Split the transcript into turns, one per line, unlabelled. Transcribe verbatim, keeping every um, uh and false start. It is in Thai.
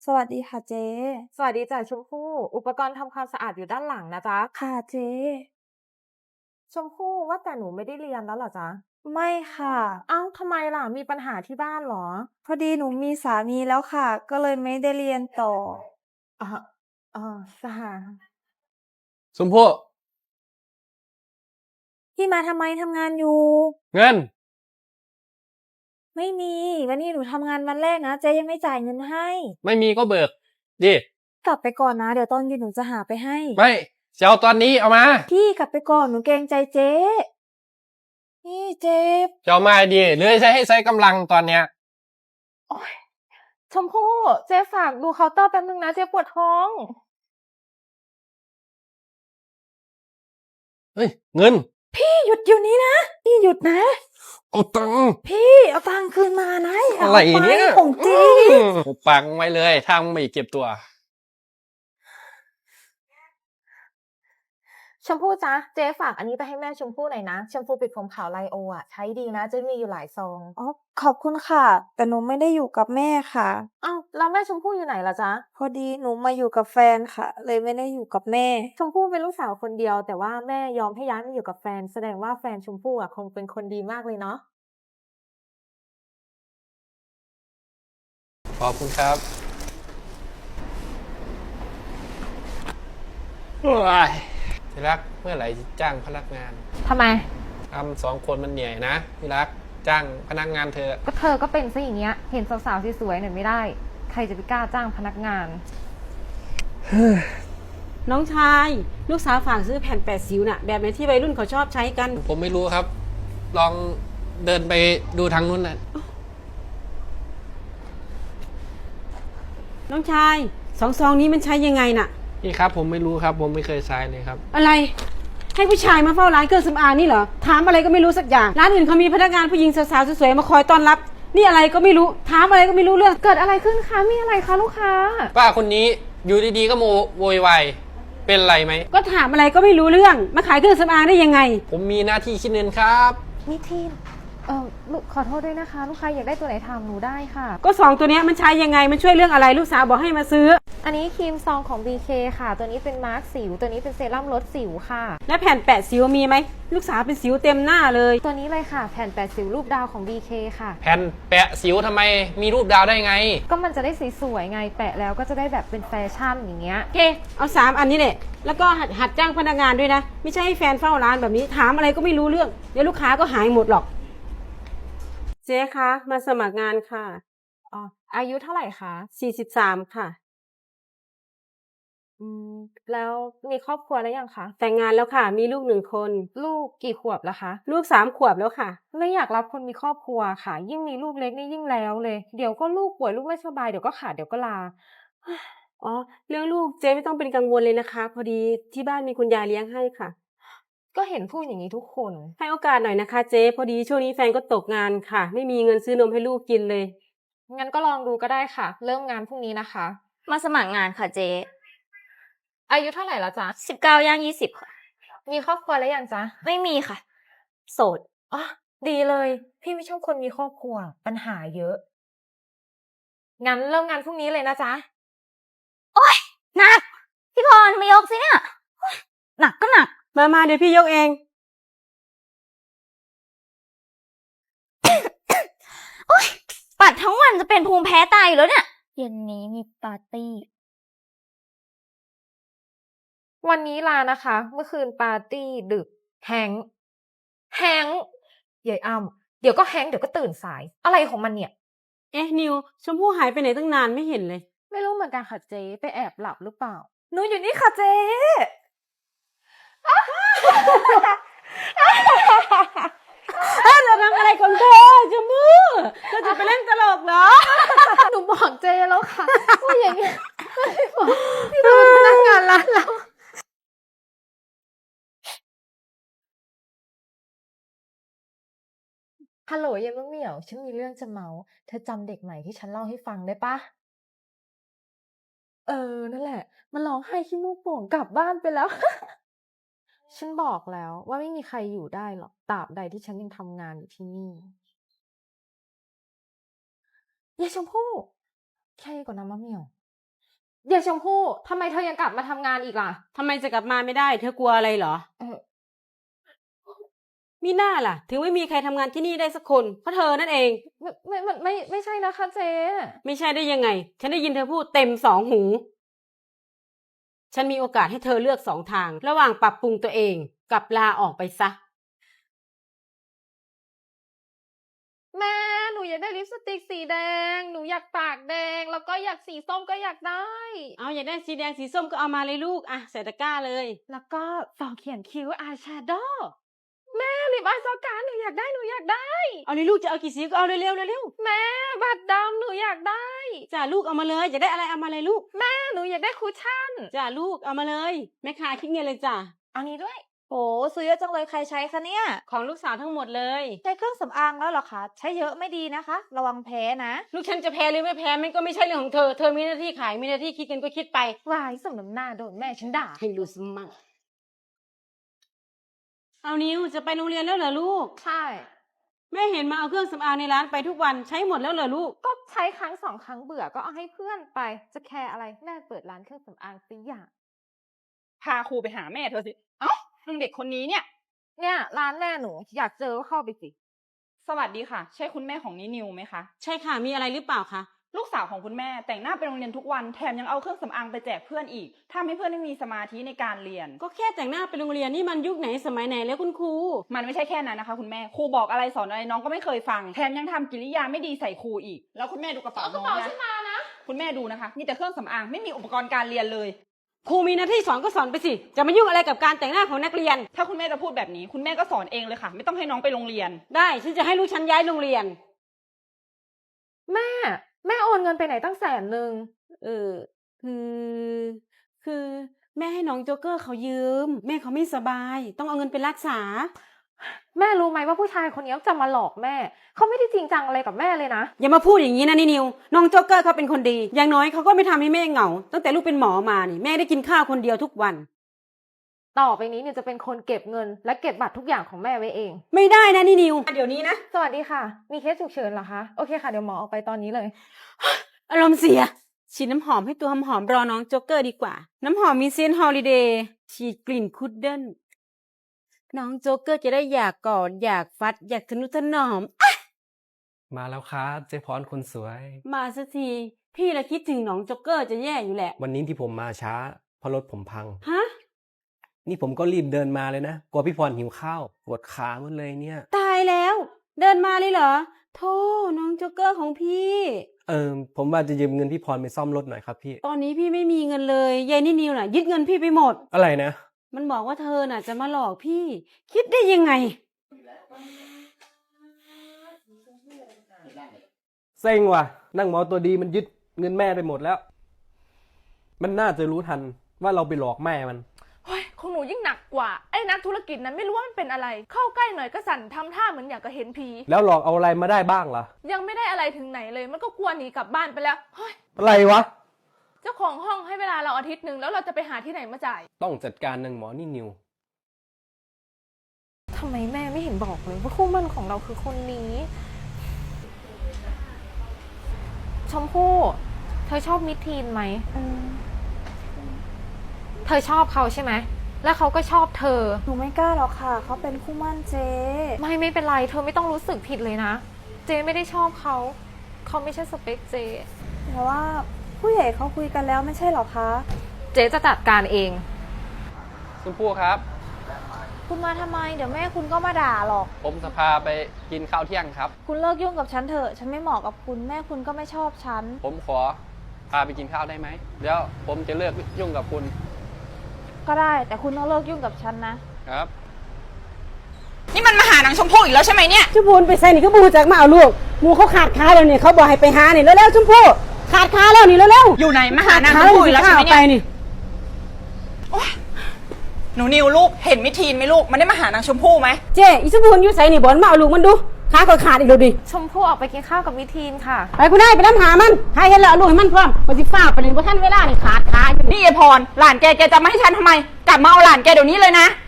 สวัสดีค่ะเจ๊
สวัสดีจ้ะชมพู่ อุปกรณ์ทำความสะอาดอยู่ด้านหลังนะจ๊ะ
ค่ะเจ๊
ชมพู่ว่าแต่หนูไม่ได้เรียนแล้วเหรอจ๊ะ?
ไม่ค่ะ
อ้าว ทำไมล่ะ มีปัญหาที่บ้านเหรอ?
พอดีหนูมีสามีแล้วค่ะ ก็เลยไม่ได้เรียนต่อ
อะฮะ อ๋อ สหา
ชมพู่
พี่มาทำไม ทำงานอยู่
เงิน
ไม่มี วันนี้หนูทำงานวันแรกนะ เจ๊ยังไม่จ่ายเงินให้
ไม่มีก็เบิกดิ
กลับไปก่อนนะ เดี๋ยวตอนเย็นหนูจะหาไปให้
ไม่ จะเอาตอนนี้ เอามา
พี่กลับไปก่อน หนูเกรงใจเจ๊ พี่เจ็บ
จะเอามาดิ หรือจะใช้ให้ใช้กำลังตอนเนี้ย
โอ๊ย ชมพู่ เจ๊ฝากดูเคาน์เตอร์แป๊บหนึ่งนะ เจ๊ปวดท้อง
เฮ้ย เงิน
พี่หยุดเดี๋ยวนี้นะ พี่หยุดนะ
เอาตังค์
พี่เอาตังค์คืนมานะ อย่า
อะไร
เอาไป
เนี่ย
ของจริง
หุบปากมึงไว้เลย ถ้ามึงไม่เก็บตัว
ชมพู่จ๊ะ เจ๊ฝากอันนี้ไปให้แม่ชมพู่หน่อยนะ แชมพูปิดผมขาวไลโออะ ใช้ดีนะ เจ๊มีอยู่หลายซอง
อ๋อ ขอบคุณค่ะ แต่หนูไม่ได้อยู่กับแม่ค่ะ
อ้าว แล้วแม่ชมพู่อยู่ไหนล่ะจ๊ะ?
พอดีหนูมาอยู่กับแฟนค่ะ เลยไม่ได้อยู่กับแม่
ชมพู่เป็นลูกสาวคนเดียว แต่ว่าแม่ยอมให้ย้ายมาอยู่กับแฟน แสดงว่าแฟนชมพู่อะคงเป็นคนดีมากเลยเนาะ
ขอบคุณครับ โอ๊ย ที่รัก เมื่อไหร่จะจ้างพนักงาน?
ทำไม?
ทำ สอง คนมันเหนื่อยนะ ที่รัก จ้างพนักงานเถอะ
ก็เธอก็เป็นเสียอย่างเงี้ย เห็นสาวๆสวยๆหน่อยไม่ได้ ใครจะไปกล้าจ้างพนักงาน
น้องชาย ลูกสาวฝากซื้อแผ่นแปดสิวน่ะ แบบไหนที่วัยรุ่นเขาชอบใช้กัน
ผมไม่รู้ครับ ลองเดินไปดูทางนู้นน่ะ
น้องชาย สอง ซองนี้มันใช้ยังไงน่ะ
พี่ครับ ผมไม่รู้ครับ ผมไม่เคยใช้เลยครับ
อะไร ให้ผู้ชายมาเฝ้าร้านเครื่องสำอางนี่เหรอ ถามอะไรก็ไม่รู้สักอย่าง ร้านอื่นเขามีพนักงานผู้หญิงสาวๆสวยๆมาคอยต้อนรับ นี่อะไรก็ไม่รู้ ถามอะไรก็ไม่รู้เรื่อง
เกิดอะไรขึ้นคะ มีอะไรคะลูกค้า?
ป้าคนนี้อยู่ดีๆก็โมโวยวาย เป็นไรไหม?
ก็ถามอะไรก็ไม่รู้เรื่อง มาขายเครื่องสำอางได้ยังไง?
ผมมีหน้าที่คิดเงินครับ
มิทีน เอ่อ ลูก ขอโทษด้วยนะคะ ลูกค้าอยากได้ตัวไหนถามหนูได้ค่ะ
ก็ สอง ตัวเนี้ยมันใช้ยังไง มันช่วยเรื่องอะไร ลูกสาวบอกให้มาซื้อ
อันนี้ครีมซองของ บี เค ค่ะ ตัวนี้เป็นมาร์กสิว ตัวนี้เป็นเซรั่มลดสิวค่ะ
แล้วแผ่นแปะสิวมีไหม ลูกสาวเป็นสิวเต็มหน้าเลย
ตัวนี้เลยค่ะ แผ่นแปะสิวรูปดาวของ บี เค ค่ะ
แผ่นแปะสิวทำไมมีรูปดาวได้ไง?
ก็มันจะได้สวยๆไง แปะแล้วก็จะได้แบบเป็นแฟชั่นอย่างเงี้ย
โอเค เอา สาม อันนี้แหละ แล้วก็หัดหัดจ้างพนักงานด้วยนะ ไม่ใช่ให้แฟนเฝ้าร้านแบบนี้ ถามอะไรก็ไม่รู้เรื่อง เดี๋ยวลูกค้าก็หายหมดหรอก เจ๊คะ มาสมัครงานค่ะ
อ๋อ อายุเท่าไรคะ?
สี่สิบสาม ค่ะ
อืม แล้วมีครอบครัวหรือยังคะ?
แต่งงานแล้วค่ะ มีลูก หนึ่ง คน
ลูกกี่ขวบแล้วคะ?
ลูก สาม ขวบแล้วค่ะ
ไม่อยากรับคนมีครอบครัวค่ะ ยิ่งมีลูกเล็กนี่ยิ่งแล้วเลย เดี๋ยวก็ลูกป่วย ลูกไม่สบาย เดี๋ยวก็ขาด เดี๋ยวก็ลา
อ๋อ เรื่องลูกเจ๊ไม่ต้องเป็นกังวลเลยนะคะ พอดีที่บ้านมีคุณยายเลี้ยงให้ค่ะ
ก็เห็นพูดอย่างนี้ทุกคน
ให้โอกาสหน่อยนะคะเจ๊ พอดีช่วงนี้แฟนก็ตกงานค่ะ ไม่มีเงินซื้อนมให้ลูกกินเลย
งั้นก็ลองดูก็ได้ค่ะ เริ่มงานพรุ่งนี้นะคะ
มาสมัครงานค่ะเจ๊
อายุเท่าไรแล้วจ๊ะ?
สิบเก้า ย่าง ยี่สิบ ค่ะ
มีครอบครัวหรือยังจ๊ะ?
ไม่มีค่ะ โสด
อ๋อ ดีเลย พี่ไม่ชอบคนมีครอบครัว ปัญหาเยอะ งั้นเริ่มงานพรุ่งนี้เลยนะจ๊ะ
โอ๊ย หนัก พี่พรมายกสิเนี่ย โอ๊ย หนักก็หนัก
มา ๆ เดี๋ยวพี่ยกเอง
โอ๊ย ปัดทั้งวันจะเป็นภูมิแพ้ตายอยู่แล้วเนี่ย เย็นนี้มีปาร์ตี
วันนี้ลานะคะ เมื่อคืนปาร์ตีดึก Hank Hank ยายอ้ำ เดี๋ยวก็ Hank เดี๋ยวก็ตื่นสาย อะไรของมันเนี่ย?
เอ๊ะ นิว ชมพู่หายไปไหนตั้งนานไม่เห็นเลย
ไม่รู้เหมือนกันค่ะเจ๊ ไปแอบหลับหรือเปล่า?
หนูอยู่นี่ค่ะเจ๊
เธอจะทำอะไรของเธอ ชมพู่ เธอจะไปเล่นตลกเหรอ?
หนูบอกเจ๊แล้วค่ะ ว่าอย่างเงี้ย พี่บอก พี่เป็นพนักงานร้านเรา ฮัลโหลยายมะเหมี่ยว ฉันมีเรื่องจะเมาท์ เธอจำเด็กใหม่ที่ฉันเล่าให้ฟังได้เปล่า? เออ นั่นแหละ มันร้องไห้ขี้มูกโป่งกลับบ้านไปแล้ว ฉันบอกแล้วว่าไม่มีใครอยู่ได้หรอก ตราบใดที่ฉันยังทำงานอยู่ที่นี่ ยายชมพู่ แค่นี้ก่อนนะมะเหมี่ยวเดี๋ยวชมพู่ทำไมเธอยังกลับมาทำงานอีกล่ะ
ทำไมจะกลับมาไม่ได้ เธอกลัวอะไรเหรอ
เออ
มีหน้าล่ะ ถึงไม่มีใครทำงานที่นี่ได้สักคน เพราะเธอนั่นเอง
ไม่ไม่ไม่ไม่ไม่ใช่นะคะเจ๊
ไม่ใช่ได้ยังไง ฉันได้ยินเธอพูดเต็มสองหู ฉันมีโอกาสให้เธอเลือกสองทาง ระหว่างปรับปรุงตัวเองกับลาออกไปซะ
แม่หนูอยากได้ลิปสติกสีแดงหนูอยากปากแดงแล้วก็อยากสีส้มก็อยากได้
เอาอยากได้สีแดงสีส้มก็เอามาเลยลูก อ่ะใส่ตะกร้าเลย
แล้วก็ฟองเขียนคิ้วอายแชโดว์แม่ลิปอายซอการหนูอยากได้หนูอยากได้
เอาเลยลูกจะเอากี่สีก็เอาเร็วๆเร็ว
แม่บัตรดำหนูอยากได้
ๆจ้าลูกเอามาเลยอยากได้อะไรเอามาเลยลูก
แม่หนูอยากได้คุชชั่น
จ้าลูกเอามาเลยแม่ค้าคิดเงินเลยจ้า
เอานี้ด้วย
โหซื้อเยอะจังเลยใครใช้คะเนี่ย
ของลูกสาวทั้งหมดเลย
ใช้เครื่องสำอางแล้วเหรอคะ ใช้เยอะไม่ดีนะคะ ระวังแพ้นะ
ลูกฉันจะแพ้หรือไม่แพ้มันก็ไม่ใช่เรื่องของเธอ เธอมีหน้าที่ขายมีหน้าที่คิดเงินก็คิดไป
วายสมน้ำหน้าโดนแม่ฉันด่า
ให้รู้สมั่งเอานิวจะไปโรงเรียนแล้วเหรอลูก
ใช่
แม่เห็นมาเอาเครื่องสำอางในร้านไปทุกวันใช้หมดแล้วเหรอลูก
ก็ใช้ครั้งสองครั้งเบื่อก็เอาให้เพื่อนไป จะแคร์อะไรแม่เปิดร้านเครื่องสำอางสิอย่าง
พาครูไปหาแม่เธอสิ เอ้านึงเด็กคนนี้เนี่ย
เนี่ยร้านแม่หนูอยากเจอก็เข้าไปสิ
สวัสดีค่ะ ใช่คุณแม่ของนินิวไหมคะ
ใช่ค่ะมีอะไรหรือเปล่าคะ
ลูกสาวของคุณแม่แต่งหน้าไปโรงเรียนทุกวันแถมยังเอาเครื่องสำอางไปแจกเพื่อนอีกทำให้เพื่อนไม่มีสมาธิในการเรียน
ก็แค่แต่งหน้าไปโรงเรียนนี่มันยุคไหนสมัยไหนแล้วคุณครู
มันไม่ใช่แค่นั้นนะคะคุณแม่ ครูบอกอะไรสอนอะไรน้องก็ไม่เคยฟัง แถมยังทำกิริยาไม่ดีใส่ครูอีก แล้วคุณแม่ดูกระเป๋าน้องนะคุณแม่ดูนะคะมีแต่เครื่องสำอางไม่มีอุปกรณ์การเรียนเลย
ครูมีหน้าที่สอนก็สอนไปสิจะมายุ่งอะไรกับการแต่งหน้าของนักเรียน
ถ้าคุณแม่จะพูดแบบนี้คุณแม่ก็สอนเองเลยค่ะ ไม่ต้องให้น้องไปโรงเรียน
ได้ฉันจะให้ลูกฉันย้ายโรงเรียน
แม่ แม่โอนเงินไปไหนตั้งแสนหนึ่ง
เออคือคือแม่ให้น้องโจ๊กเกอร์เขายืม แม่เขาไม่สบาย ต้องเอาเงินไปรักษา
แม่รู้ไหมว่าผู้ชายคนนี้จะมาหลอกแม่ เขาไม่ได้จริงจังอะไรกับแม่เลยนะ
อย่ามาพูดอย่างนี้นะนี่นิวน้องโจ๊กเกอร์เขาเป็นคนดี อย่างน้อยเขาก็ไม่ทำให้แม่เหงา ตั้งแต่ลูกเป็นหมอมานี่แม่ได้กินข้าวคนเดียวทุกวัน
ต่อไปนี้เนี่ยจะเป็นคนเก็บเงิน และเก็บบัตรทุกอย่างของแม่ไว้เอง
ไม่ได้นะนี่นิวเดี๋ยวนี้นะ
สวัสดีค่ะ มีเคสฉุกเฉินเหรอคะ โอเคค่ะ เดี๋ยวหมอออกไปตอนนี้เลย
อารมณ์เสียฉีดน้ำหอมให้ตัวหอมๆรอน้องโจ๊กเกอร์ดีกว่า น้ำหอมมีเซนต์ฮอลิเดย์ฉีดกลิ่นคุดเดิลน้องโจ๊กเกอร์จะได้อยากกอดอยากฟัดอยากทนุถนอม
มาแล้วครับเจ๊พรคนสวย
มาสักทีพี่ละคิดถึงน้องโจ๊กเกอร์จะแย่อยู่แหละ
วันนี้ที่ผมมาช้าเพราะรถผมพัง
ฮะ
นี่ผมก็รีบเดินมาเลยนะกลัวพี่พรหิวข้าวปวดขาหมดเลยเนี่ย
ตายแล้ว เดินมาเลยเหรอโธ่น้องโจ๊กเกอร์ของพี่
เออผมว่าจะยืมเงินพี่พรไปซ่อมรถหน่อยครับพี่
ตอนนี้พี่ไม่มีเงินเลยยายนี่นิวน่ะยึดเงินพี่ไปหมด
อะไรนะ
มันบอกว่าเธอน่ะจะมาหลอกพี่ คิดได้ยังไง
เซ็งว่ะนั่งหมอตัวดีมันยึดเงินแม่ไปหมดแล้ว มันน่าจะรู้ทันว่าเราไปหลอกแม่มัน
เฮ้ยของหนูยิ่งหนักกว่าไอ้นักธุรกิจนั้นไม่รู้ว่ามันเป็นอะไร เข้าใกล้หน่อยก็สั่นทำท่าเหมือนอยากจะเห็นผี
แล้วหลอกเอาอะไรมาได้บ้างล่ะ
ยังไม่ได้อะไรถึงไหนเลย มันก็กลัวหนีกลับบ้านไปแล้วเฮ้ย
อะไรวะ
เจ้าของห้องให้เวลาเราอาทิตย์หนึ่งแล้วเราจะไปหาที่ไหนมาจ่าย
ต้องจัดการนางหมอนี่นิว
ทำไมแม่ไม่เห็นบอกเลยว่าคู่หมั่นของเราคือคนนี้ ชมพู่ เธอชอบมิดทีนไหม เธอชอบเขาใช่ไหม แล้วเขาก็ชอบเธอ
หนูไม่กล้าหรอกค่ะ เขาเป็นคู่หมั่นเจ๊
ไม่ไม่เป็นไร เธอไม่ต้องรู้สึกผิดเลยนะ เจไม่ได้ชอบเขา เขาไม่ใช่สเปคเจ
แต่ว่าผู้ใหญ่เขาคุยกันแล้วไม่ใช่หรอคะ
เจจะจัดการเอง
คุณปู่ครับ
คุณมาทำไม เดี๋ยวแม่คุณก็มาด่าหรอก
ผมจะพาไปกินข้าวเที่ยงครับ
คุณเลิกยุ่งกับฉันเถอะ ฉันไม่เหมาะกับคุณ แม่คุณก็ไม่ชอบฉัน
ผมขอพาไปกินข้าวได้ไหมเดี๋ยวผมจะเลิกยุ่งกับคุณ
ก็ได้ แต่คุณต้องเลิกยุ่งกับฉันนะ
ครับ
นี่มันมาหานางชมพู่อีกแล้วใช่ไหมเนี่ย
ชมพูไปใส่นี่ก็บูจากมาเอาลูกหมูเขาขาดขาแล้วเนี่ยเขาบอกให้ไปหานี่แล้วแล้วชมพู่ขาดขาแล้วนี่แล้วแล้ว
อยู่ไหนมาหานางชมพู่อีกแล้วใช่ไหมเนี่ย
นี่
หนูนิวลูกเห็นมิทีนไหมลูกมันได้มาหานางชมพู่ไหม
เจ๊อีชมพูอยู่ใส่นี่บอลมาเอาลูกมันดูขาก็ขาดอีกแล้วดิ
ชมพู่ออกไปกินข้าวกับมิทีนค่ะ
ไปกูได้ไปน้ำหามันให้เห็นแล้วเอาลูกให้มันพร้อมมาสิฟ้าไปเลยว่าท่านเวลานี่ขาดขาอยู่
นี่ยายพรหลานแกแกจะมาให้ฉันทำไมกลับมาเอาหลานแกเดี๋ยวนี้เลยนะ